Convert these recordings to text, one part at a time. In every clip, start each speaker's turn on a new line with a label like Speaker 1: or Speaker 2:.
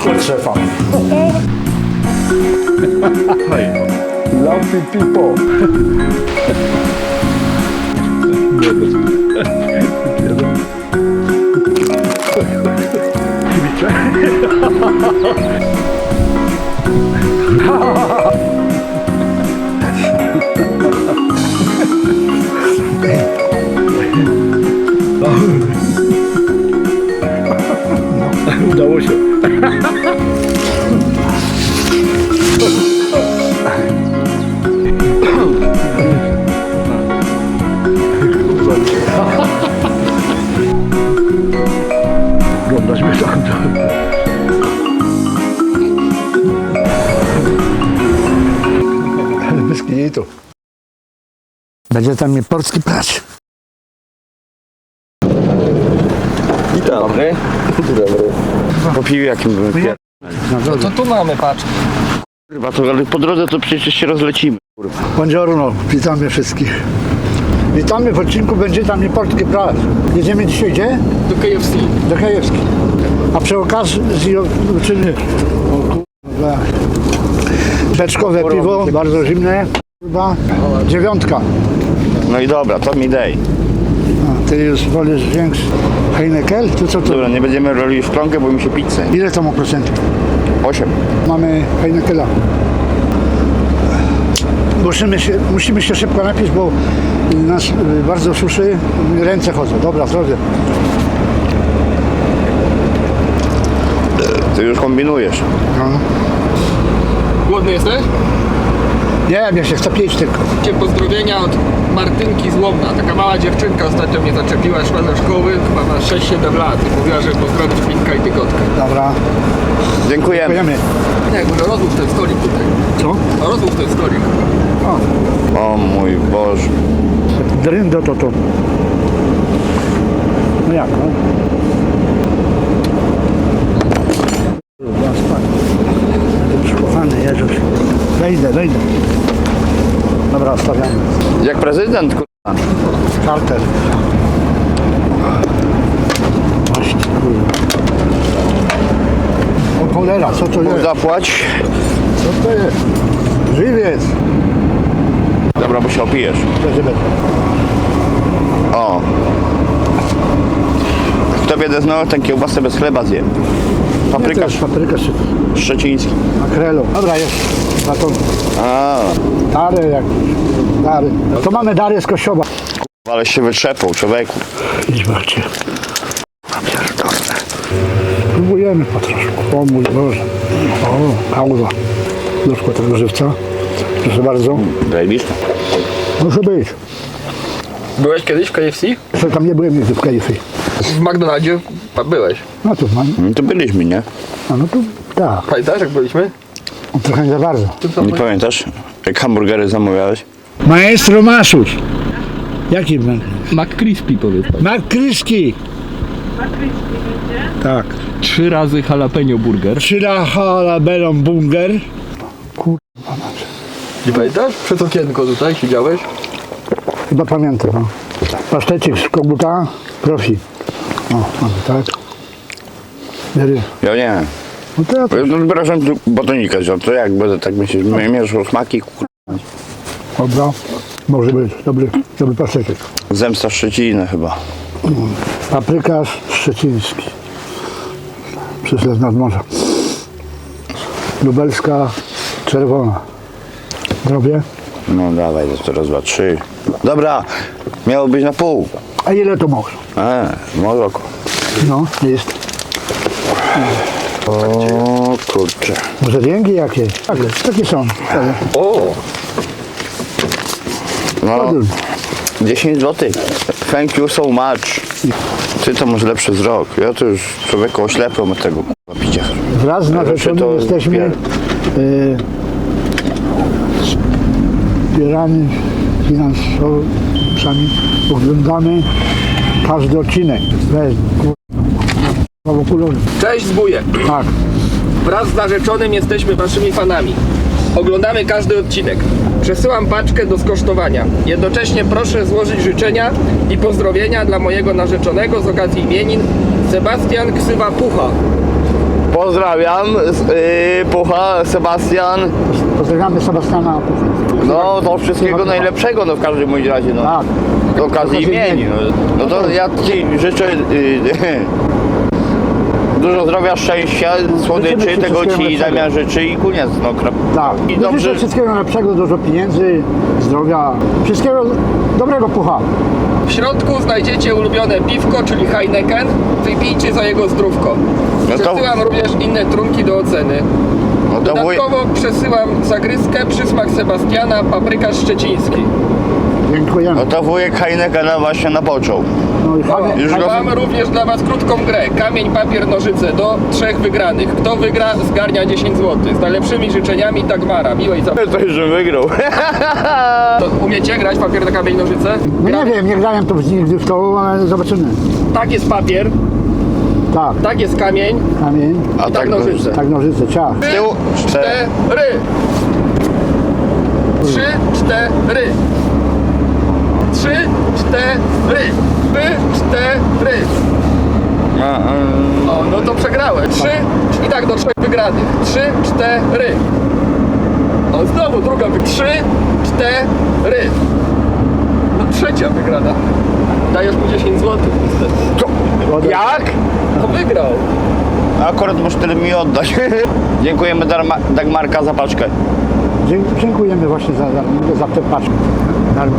Speaker 1: Od szefa. Lumpy people.
Speaker 2: Udało się. Oglądasz mnie tam.
Speaker 1: Bez kitu. Będzie tam mnie polski prać.
Speaker 2: Witam. Dobry. Dobry. Po piwie jakim byłem pier...
Speaker 3: No to tu mamy, patrz.
Speaker 2: Kurwa, to ale po drodze to przecież się rozlecimy. Kurwa.
Speaker 1: Buongiorno, witamy wszystkich. Witamy w odcinku Będzie tam mnie polski prać. Jedziemy dzisiaj gdzie?
Speaker 3: Do KFC.
Speaker 1: Do Krajewski. A przy okazji uczyny. O kurwa. Beczkowe piwo, bardzo zimne. Kurwa. 9.
Speaker 2: No i dobra, to mi dej.
Speaker 1: A, ty już wolisz większy Heineken? Tu co to?
Speaker 2: Dobra, nie będziemy rolili w szklankę, bo mi się pizzę.
Speaker 1: Ile to ma procentów?
Speaker 2: 8.
Speaker 1: Mamy Heinekena. Musimy się szybko napić, bo nas bardzo suszy, ręce chodzą. Dobra, zdrowie.
Speaker 2: Ty już kombinujesz.
Speaker 1: No.
Speaker 3: Głodny jesteś?
Speaker 1: Nie, ja się chcę pić tylko.
Speaker 3: Cię pozdrowienia od Martynki z Łomna. Taka mała dziewczynka ostatnio mnie zaczepiła, szła do szkoły, chyba ma 6-7 lat i mówiła, że pozdrowić Minka i Tygotkę.
Speaker 1: Dobra,
Speaker 2: Dziękujemy.
Speaker 1: pojemy.
Speaker 3: Nie, może rozłóż ten stolik tutaj.
Speaker 1: Co?
Speaker 3: No rozłóż ten stolik.
Speaker 1: O,
Speaker 2: O mój Boże.
Speaker 1: dryndo to. No jak, no? Kurwa, spać. Kochany Jezus. Wejdę. Dobra, stawiamy.
Speaker 2: Jak prezydent, kurwa.
Speaker 1: Kartel. Właśnie, kurwa. O cholera, co to jest?
Speaker 2: Zapłać.
Speaker 1: Co to jest? Żywiec.
Speaker 2: Dobra, bo się opijesz. O. Kto wiedzie znowu, ten kiełbasę bez chleba zje. Paprykarz
Speaker 1: Paprykarz.
Speaker 2: szczeciński.
Speaker 1: Makrelo. Dobra, jest. Baton.
Speaker 2: A,
Speaker 1: Dary jak. Dary. To mamy dary z Kościoła.
Speaker 2: ale się wytrzepał, człowieku.
Speaker 1: Idź bardziej. Pierdolne. Próbujemy po troszku. O mój Boże. O, pauza. Doszło tego żywca. Proszę bardzo.
Speaker 2: Zajebiście.
Speaker 1: Może być.
Speaker 3: Byłeś kiedyś w KFC?
Speaker 1: Jeszcze tam nie byłem nigdy w KFC.
Speaker 3: W McDonaldzie byłeś.
Speaker 1: No to mam.
Speaker 2: No to byliśmy, nie?
Speaker 1: A no to tak.
Speaker 3: Pamiętasz jak byliśmy?
Speaker 1: Trochę nie za bardzo.
Speaker 2: Nie pamiętasz, jak hamburgery zamawiałeś?
Speaker 1: Maestro Masuś. Jaki ben?
Speaker 3: McCrispy powiedz.
Speaker 1: McCrispy. Tak.
Speaker 3: 3 razy jalapeno burger.
Speaker 1: 3 jalapeno burger.
Speaker 3: Nie pamiętasz? Przed okienko tutaj siedziałeś?
Speaker 1: Chyba pamiętam. No. Pasztecik z koguta. Profi. O, mamy tak. Biery.
Speaker 2: Ja nie.
Speaker 1: No to ja to.
Speaker 2: No wyrażam tu batonika, to jak będę tak myśleć, mieszał smaki,
Speaker 1: Dobra. Może być. Dobry pasztecik.
Speaker 2: zemsta Szczecina chyba.
Speaker 1: Paprykarz szczeciński. Przyszedł nad morza. Lubelska czerwona. Zdrowie.
Speaker 2: No dawaj, to raz, dwa, trzy. Dobra, miało być na pół.
Speaker 1: A ile to może?
Speaker 2: Może
Speaker 1: No, jest.
Speaker 2: O kurczę.
Speaker 1: Może więgi jakieś? Tak, takie są.
Speaker 3: O!
Speaker 2: No, 10 zł. Thank you so much. Ty to masz lepszy wzrok. Ja to już człowieku oślepłem od tego picia.
Speaker 1: Wraz z narzeczonym jesteśmy wspierani finansowcami. Oglądamy każdy odcinek. Weź, kurwa.
Speaker 3: Cześć zbóje!
Speaker 1: Tak.
Speaker 3: Wraz z narzeczonym jesteśmy waszymi fanami. Oglądamy każdy odcinek. Przesyłam paczkę do skosztowania. Jednocześnie proszę złożyć życzenia i pozdrowienia dla mojego narzeczonego z okazji imienin Sebastian Ksywa Pucha.
Speaker 2: Pozdrawiam, Pucha, Sebastian.
Speaker 1: Pozdrawiamy Sebastiana Puchę.
Speaker 2: No to wszystkiego najlepszego, no w każdym bądź razie, no.
Speaker 1: Tak.
Speaker 2: Do okazji imieni. No to ja Ci życzę dużo zdrowia, szczęścia, słodyczy,
Speaker 1: Życzymy Ci
Speaker 2: tego
Speaker 1: wszystkiego
Speaker 2: Ci
Speaker 1: najlepszego.
Speaker 2: Damian życzy i koniec, no.
Speaker 1: Tak.
Speaker 2: I
Speaker 1: Życzę
Speaker 2: dobrze,
Speaker 1: wszystkiego najlepszego, dużo pieniędzy, zdrowia, wszystkiego dobrego, Pucha.
Speaker 3: W środku znajdziecie ulubione piwko, czyli Heineken. Wypijcie za jego zdrówko.
Speaker 2: No to-
Speaker 3: Przesyłam również inne trunki do oceny.
Speaker 2: no to wuj...
Speaker 3: Dodatkowo przesyłam zagryzkę, przysmak Sebastiana, paprykarz szczeciński.
Speaker 1: Dziękujemy.
Speaker 2: No to wujek Heinekena właśnie napoczął.
Speaker 1: No i fajnie.
Speaker 2: Już go-
Speaker 3: Mam również dla Was krótką grę. Kamień, papier, nożyce do 3 wygranych. Kto wygra, zgarnia 10 zł. Z najlepszymi życzeniami Dagmara. Miłej zabawy.
Speaker 2: To już wygrał.
Speaker 3: To umiecie grać papier na kamień, nożyce?
Speaker 1: No nie wiem, nie grałem to nigdy w to, ale zobaczymy.
Speaker 3: Tak jest papier,
Speaker 1: Tak,
Speaker 3: tak jest kamień,
Speaker 1: kamień,
Speaker 2: A
Speaker 3: tak nożyce.
Speaker 1: tak nożyce, ciach.
Speaker 2: Z tyłu 4.
Speaker 3: 3, 4. 3, 4. 4. O, no to przegrałem. 3 i tak do 3 wygranych. 3, 4. O, znowu druga 3, 4. No trzecia wygrana. Dajesz mu 10 zł niestety.
Speaker 2: Jak?
Speaker 3: To wygrał.
Speaker 2: Akurat możesz tyle mi oddać. Dziękujemy Dagmarka za paczkę.
Speaker 1: Dziękujemy właśnie za tę paczkę. Darmo.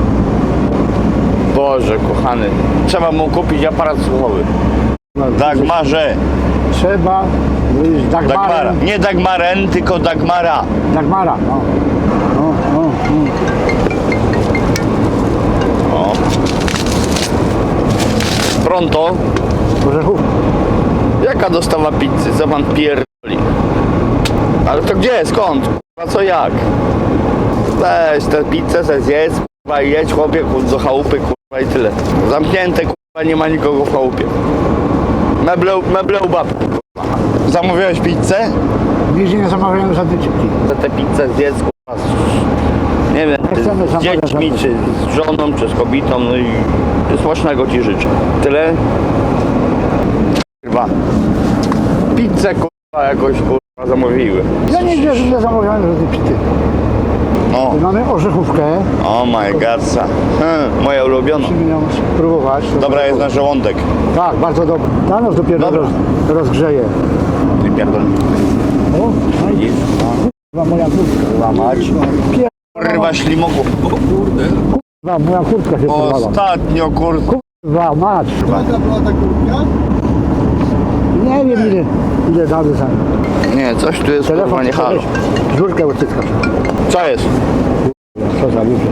Speaker 2: Boże kochany. Trzeba mu kupić aparat słuchowy. Dagmarze.
Speaker 1: Trzeba wyjść
Speaker 2: Dagmara.
Speaker 1: Dagmarem.
Speaker 2: Nie Dagmaren, tylko Dagmara.
Speaker 1: Dagmara, no. No.
Speaker 2: O. Pronto.
Speaker 1: Orzechów.
Speaker 2: Jaka dostawa pizzy? Co pan pierdoli? Ale to gdzie? Skąd? A co jak? Weź tę pizzę, se zjedz, kurwa, i jedź chłopie do chałupy, kurwa, i tyle. Zamknięte, kurwa, nie ma nikogo w chałupie. Meble u babki, kurwa. Zamówiłeś pizzę?
Speaker 1: Nigdzie nie zamawiałem żadnej cipki.
Speaker 2: Za tę pizzę zjedz, kurwa, nie wiem,
Speaker 1: chcemy
Speaker 2: z
Speaker 1: zamawiać
Speaker 2: dziećmi,
Speaker 1: żadnej.
Speaker 2: czy z żoną, czy z kobietą, no i smacznego ci życzę. Tyle? Kurwa. Pizzę, kurwa, jakoś, kurwa, zamówiły.
Speaker 1: Ja nigdzie nie zamawiałem żadnej pity.
Speaker 2: O,
Speaker 1: Mamy orzechówkę.
Speaker 2: oh my god. Moja ulubiona.
Speaker 1: Musimy ją spróbować.
Speaker 2: Dobra jest na żołądek.
Speaker 1: Tak, bardzo dobra. Ta nas dopiero
Speaker 2: Dobra.
Speaker 1: rozgrzeje.
Speaker 2: Ty pierdol.
Speaker 1: O, no i kurwa, moja kurtka.
Speaker 2: Łamać.
Speaker 1: Kurwa,
Speaker 2: Kurwa ślimoku.
Speaker 1: moja kurtka się porwała.
Speaker 2: Ostatnio, kurwa.
Speaker 1: Kurwa, mać.
Speaker 4: Jaka była ta kurtka?
Speaker 1: Nie wiem ile damy za
Speaker 2: Nie, coś tu jest, kurwa, nie halo.
Speaker 1: Żurkę odcyskać.
Speaker 2: Co jest?
Speaker 1: Co za ludzie.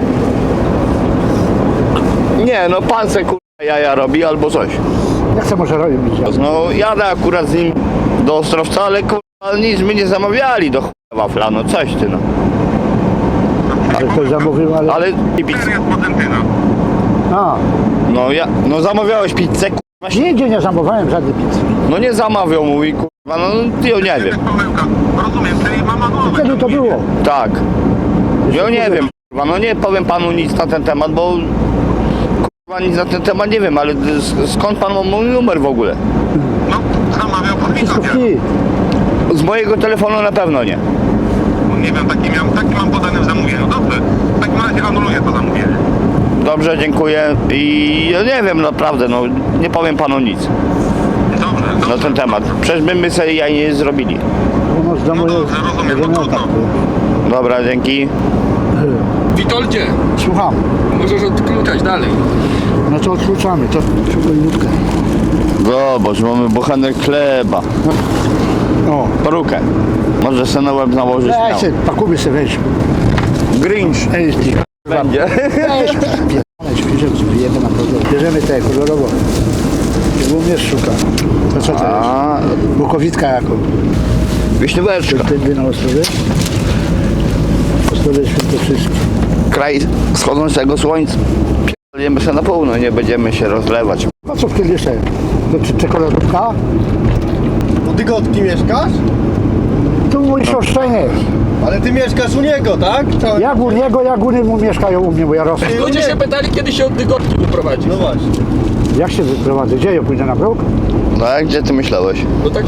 Speaker 2: Nie, no pan se, kurwa, jaja robi albo coś.
Speaker 1: Nie chcę może robić.
Speaker 2: No jadę akurat z nim do Ostrowca, ale kurwa nic my nie zamawiali do chuja wafla, no coś ty no.
Speaker 1: Ale ktoś zamówił, ale...
Speaker 2: Ale i pizzę.
Speaker 1: A,
Speaker 2: No zamawiałeś pizzę, kurwa.
Speaker 1: nigdzie nie zamówiłem żadnej pizzy.
Speaker 2: No nie zamawiał, mówi, kurwa, no ty ja nie wiem.
Speaker 4: Rozumiem, czyli mama głowę.
Speaker 1: Kiedy to było?
Speaker 2: Tak. Ja nie wiem, kurwa, no nie powiem panu nic na ten temat, bo kurwa nic na ten temat nie wiem, ale skąd pan ma mój numer w ogóle?
Speaker 4: No, zamawiał pod
Speaker 1: Wszystko
Speaker 4: widok.
Speaker 1: w
Speaker 2: Z mojego telefonu na pewno nie.
Speaker 4: Nie wiem, taki mam podany w zamówieniu. Dobrze, w takim razie anuluję to zamówienie.
Speaker 2: Dobrze, dziękuję i ja nie wiem naprawdę, no nie powiem panu nic
Speaker 4: Dobrze,
Speaker 2: na ten temat. Przecież my sobie jaj nie zrobili.
Speaker 1: No, z domu
Speaker 4: No
Speaker 1: jest-
Speaker 4: dobrze, rozumiem, no
Speaker 1: będziemy
Speaker 4: trudno.
Speaker 1: tak.
Speaker 2: Dobra, dzięki.
Speaker 3: Witoldzie,
Speaker 1: Słucham.
Speaker 3: możesz odkluczać dalej.
Speaker 1: No to odkluczamy, to szybko minutkę.
Speaker 2: Zobacz, mamy bochenek chleba.
Speaker 1: O,
Speaker 2: Perukę. Może se na łeb nałożyć
Speaker 1: weź
Speaker 2: miał.
Speaker 1: się, pakuby sobie weź.
Speaker 2: Grinch
Speaker 1: Ej, ty,
Speaker 2: będzie.
Speaker 1: weź, bierzemy na kolor. Bierzemy te kolorowo. Bo mnie szuka. To co to jest?
Speaker 2: A,
Speaker 1: Bukowitka jako.
Speaker 2: wiśnióweczka.
Speaker 1: Wtedy na Ostrowie. Ostrowie Świętokrzyskie.
Speaker 2: Kraj wschodzącego słońca. Pierdolimy się na północ, nie będziemy się rozlewać.
Speaker 1: Po co w kielisze? To czy czekoladówka?
Speaker 5: U Dygotki mieszkasz?
Speaker 1: Tu mój sioszczeniec.
Speaker 5: Ale ty mieszkasz u niego, tak?
Speaker 1: Jak u niego, jak u niego mieszkają u mnie, bo ja rosnę.
Speaker 3: Ludzie się pytali, kiedy się od Dygotki wyprowadzi.
Speaker 5: No właśnie.
Speaker 1: Jak się wyprowadzę? Gdzie ja pójdę na bruk?
Speaker 2: No a gdzie ty myślałeś?
Speaker 3: No tak się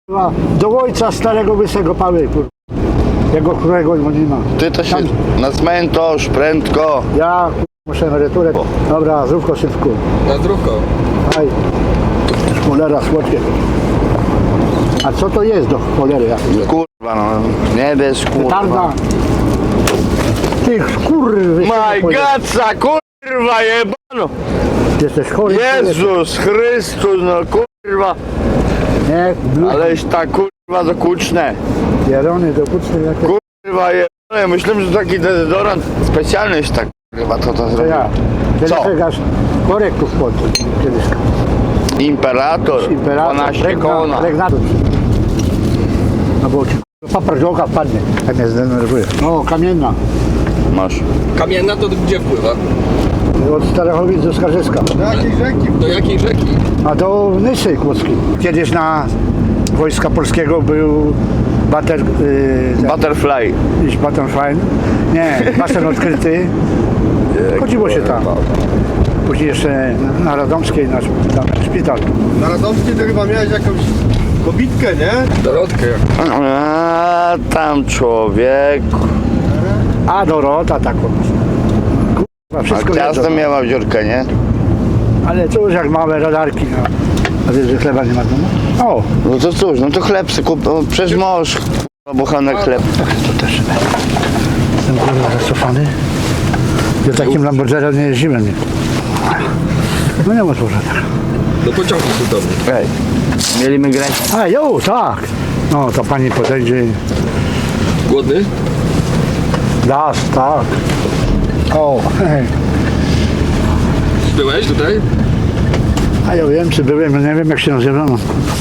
Speaker 1: kurwa, do ojca starego łysego pały, kurwa. Jego którego nie ma.
Speaker 2: Ty to się na cmentarz, prędko.
Speaker 1: Ja kurwa, muszę emeryturę. Dobra, zdrówko szybko.
Speaker 3: Na zdrówko.
Speaker 1: Aj. Cholera, słodkie. A co to jest do cholery?
Speaker 2: Kurwa no, nie wiesz kurwa.
Speaker 1: Tarda. Ty kurwy.
Speaker 2: My Godsa, kurwa jebano.
Speaker 1: Jesteś chory.
Speaker 2: Jezus Chrystus, no kurwa.
Speaker 1: Nie,
Speaker 2: Aleś tak kurwa dokuczne.
Speaker 1: Jarony do kuczny jak
Speaker 2: Kurwa jebano, myślałem, że taki dezodorant specjalny jest tak kurwa to
Speaker 1: to
Speaker 2: zrobił.
Speaker 1: ja.
Speaker 2: Co?
Speaker 1: Teraz korek tu wchodzę. Kiedyś.
Speaker 2: Imperator, 12 kona.
Speaker 1: Regnatus. No bo ci paprzoka wpadnie, jak mnie zdenerwuje. No, kamienna.
Speaker 2: Masz.
Speaker 3: Kamienna to gdzie wpływa?
Speaker 1: Od Starachowic do Skarżyska.
Speaker 5: Do jakiej rzeki?
Speaker 3: Do jakiej rzeki?
Speaker 1: A do Nysy Kłodzkiej. Kiedyś na Wojska Polskiego był
Speaker 2: Butterfly.
Speaker 1: butterfly. Nie, basen odkryty. Chodziło się tam. Później jeszcze na Radomskiej, na szpital.
Speaker 5: Na Radomskiej to chyba miałeś jakąś kobitkę, nie?
Speaker 3: Dorotkę.
Speaker 2: A tam człowiek.
Speaker 1: A Dorota taką. Kurwa,
Speaker 2: A
Speaker 1: wszystko
Speaker 2: ciasto
Speaker 1: wiedzą.
Speaker 2: miała dziurkę, nie?
Speaker 1: Ale cóż, jak małe radarki. No. A wiesz, że chleba nie ma w domu? O,
Speaker 2: No to cóż, no to chleb se kup, no przecież możesz bochanek chleb.
Speaker 1: to też. Jestem kurwa zacofany. Ja takim Lamborghini nie jeździłem. Nie. No nie ma może tak.
Speaker 3: Do pociągu cudowny.
Speaker 2: Ej, mieliśmy grać.
Speaker 1: A jo, tak. No to pani podejdzie. i
Speaker 3: Głodny?
Speaker 1: Das, tak. O, hej.
Speaker 3: Byłeś tutaj?
Speaker 1: A ja wiem, czy byłem, nie wiem jak się nazywa. No.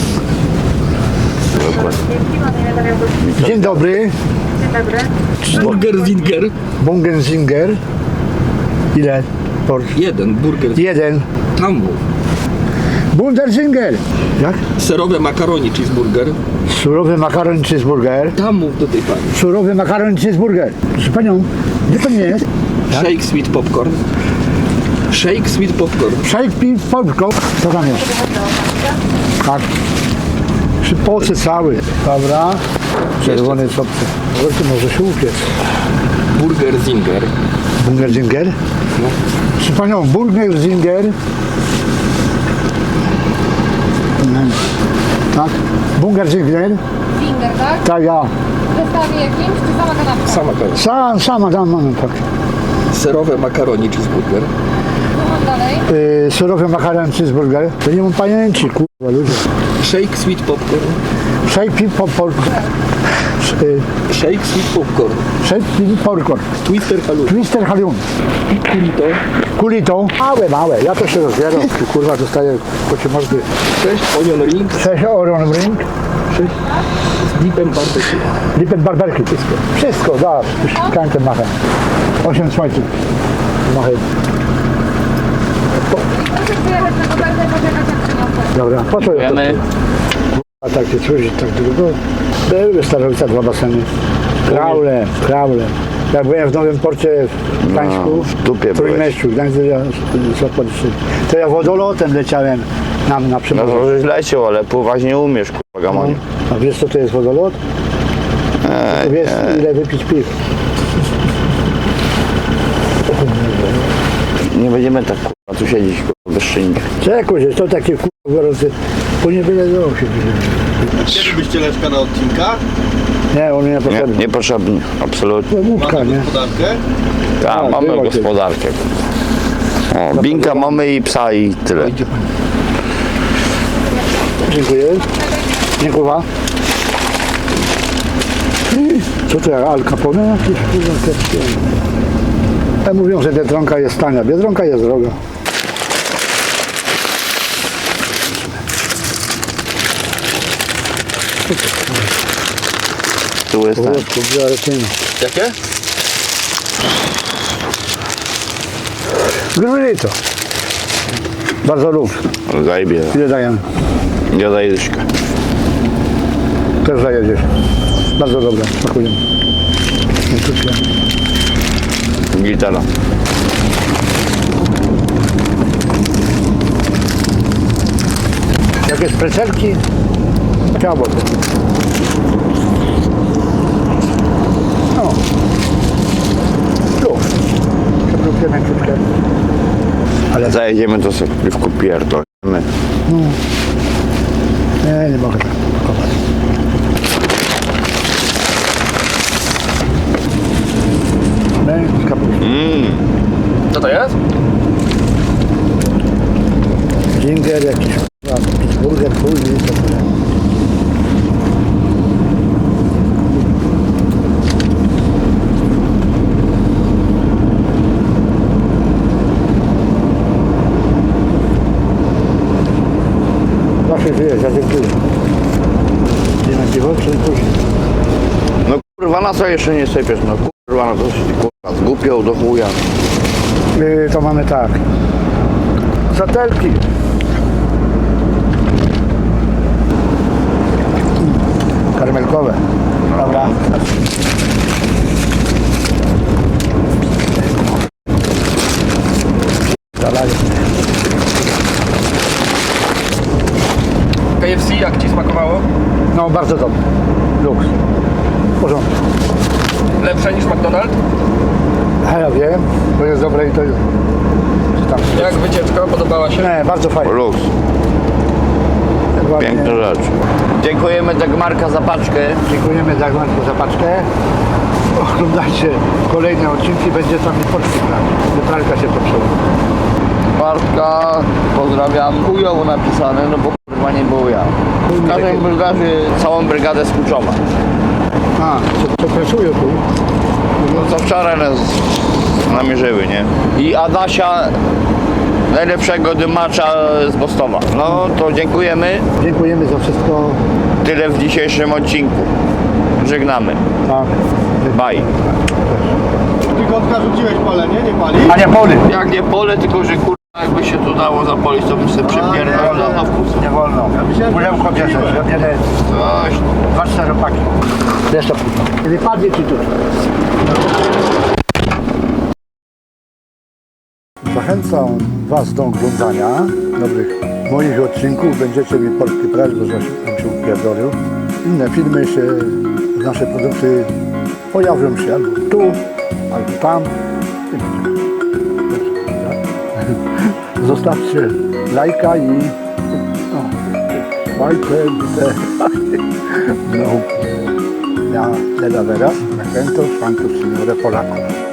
Speaker 1: Dzień dobry.
Speaker 3: Burger Zinger.
Speaker 1: Bungenzinger. Ile?
Speaker 3: Jeden burger.
Speaker 1: Jeden.
Speaker 3: Tam mów.
Speaker 1: Bunderzinger. Jak?
Speaker 3: Serowe makaroni cheeseburger.
Speaker 1: Surowy makaron cheeseburger.
Speaker 3: Tam mów do tej pani.
Speaker 1: Surowy makaron cheeseburger. Proszę panią, gdzie pan jest?
Speaker 3: Shake sweet popcorn. Shake sweet popcorn.
Speaker 1: Shake pin popcorn. Co tam jest? Tak. Przypocy cały. Dobra. Czerwony sopcy. Wreszcie może się upiec.
Speaker 3: Burger Zinger.
Speaker 1: Bungerzinger?
Speaker 3: No.
Speaker 1: Proszę panią, Burgerzinger. Tak. Bungerzinger.
Speaker 6: Finger, tak?
Speaker 1: Tak, ja.
Speaker 6: W zestawie jakimś, czy sama kanapka?
Speaker 3: Sama kanapka.
Speaker 1: Sama tam mam tak.
Speaker 3: Serowe makaroni cheeseburger.
Speaker 6: Co mam dalej?
Speaker 1: Surowy makaron cheeseburger. To nie mam pamięci, kurwa ludzie.
Speaker 3: Shake sweet popcorn.
Speaker 1: Shake pin popcorn.
Speaker 3: Shake sweet popcorn.
Speaker 1: Shake pin popcorn.
Speaker 3: Twister halloumi.
Speaker 1: Twister Halion.
Speaker 3: Kulito.
Speaker 1: Kulito. Małe, małe. Ja to się rozbieram. Kurwa, dostaję kocie mordy.
Speaker 3: 6 onion rings.
Speaker 1: 6 oron ring.
Speaker 3: 6 z dipem barbecue.
Speaker 1: Lipet barberki. Wszystko, da. Już kańczę machę. 8 słońców. Machę.
Speaker 6: Proszę przyjechać na kopertę i poczekać jak przyniosę.
Speaker 1: Dobra, po co ja to?
Speaker 2: Wiemy.
Speaker 1: A tak się służy, tak długo. Były w Starowica 2 baseny. Kraule. Jak byłem w Nowym Porcie w Gdańsku,
Speaker 2: No, w dupie
Speaker 1: w Trójmieściu, Gdańsk, to ja wodolotem leciałem na
Speaker 2: No
Speaker 1: przymorzu.
Speaker 2: to żeś leciał, ale pływać nie umiesz, kurwa gamonie.
Speaker 1: A wiesz co to jest wodolot? To wiesz ile wypić piw.
Speaker 2: Nie będziemy tak kurwa tu siedzieć, kurwa, bez szyjnik.
Speaker 1: Czekuj, że to takie kurwa gorące, później byle do się.
Speaker 5: Kiedy byście Leszka na odcinkach?
Speaker 1: Nie, on nie
Speaker 2: Nie,
Speaker 1: potrzebny.
Speaker 2: niepotrzebnie, absolutnie.
Speaker 1: Łódka,
Speaker 5: Mamy
Speaker 1: nie?
Speaker 5: gospodarkę?
Speaker 2: Tak,
Speaker 1: Tak,
Speaker 2: mamy
Speaker 1: było
Speaker 2: gospodarkę. O, binka mamy i psa i tyle.
Speaker 1: Dziękuję. Dziękuję. Co to jak Al Capone jakieś kurwa kiepskie? Ja mówią, że Biedronka jest tania. Biedronka jest droga.
Speaker 2: Tu jest ten.
Speaker 1: Powolutku, biorę cień.
Speaker 3: Jakie?
Speaker 1: Grylito. Bardzo lubię.
Speaker 2: Zajebie.
Speaker 1: Ile dajemy?
Speaker 2: Ja daję dyszkę.
Speaker 1: Też zajedziesz. Bardzo dobre. Smakują.
Speaker 2: Gitara.
Speaker 1: Jakieś precelki? Ciało to. No. Tu. Przewrócimy troszkę. Ale
Speaker 2: Zajedziemy to sobie w piwku pierdolimy.
Speaker 1: nie mogę tak kopać. Z kapustą.
Speaker 3: Co to jest?
Speaker 1: Ginger jakiś, Pittsburgher, później co to jest. Zawsze żyjesz, ja dziękuję. Nie na piwo, czy później?
Speaker 2: No kurwa, na co jeszcze nie sypiesz? No kurwa, no to się kurwa zgłupiał do chuja.
Speaker 1: To mamy tak. Zatelki. Karmelkowe. Dobra. Dalej.
Speaker 3: KFC jak ci smakowało?
Speaker 1: No bardzo dobrze. Luks. W porządku.
Speaker 3: Lepsze niż McDonald's?
Speaker 1: A ja wiem, to jest dobre i to jest. Czy tam.
Speaker 3: Jak wycieczka? Podobała się?
Speaker 1: Nie, bardzo fajnie.
Speaker 2: Luks,
Speaker 1: Ładnie.
Speaker 2: piękna rzecz. Dziękujemy Dagmarka za paczkę.
Speaker 1: Dziękujemy Dagmarku za paczkę. Oglądajcie kolejne odcinki, będzie tam i poczty brać. Wypralka się popsuła.
Speaker 2: Bartka, pozdrawiam. Chujowo napisane, no bo kurwa nie był ja. W każdej brygadzie całą brygadę z Kuczowa.
Speaker 1: A, co pracuje tu?
Speaker 2: No co wczoraj nas namierzyły, nie? I Adasia, najlepszego dymacza z Bostowa. No to dziękujemy.
Speaker 1: Dziękujemy za wszystko.
Speaker 2: Tyle w dzisiejszym odcinku. Żegnamy.
Speaker 1: Tak.
Speaker 2: Bye.
Speaker 5: Trójkątka rzuciłeś pole, nie? Nie pali?
Speaker 1: A nie poli.
Speaker 2: Jak nie pole, tylko że kurwa jakby się tu dało zapolić, to bym sobie przypierdolał na wkus.
Speaker 1: Nie wolno. Pudełko bierzesz, ja bierę
Speaker 2: Coś.
Speaker 1: 2 czteropaki. Jeszcze późno. Nie padnie ci tu. Zachęcam Was do oglądania nowych moich odcinków. Będziecie mi polski press, bo zaś tam się upierdolił. Inne filmy się, nasze produkty pojawią się albo tu, albo tam. I będzie. Zostawcie lajka i no, no, ja, Leda Veras, me siento, Santos Signore Polaco.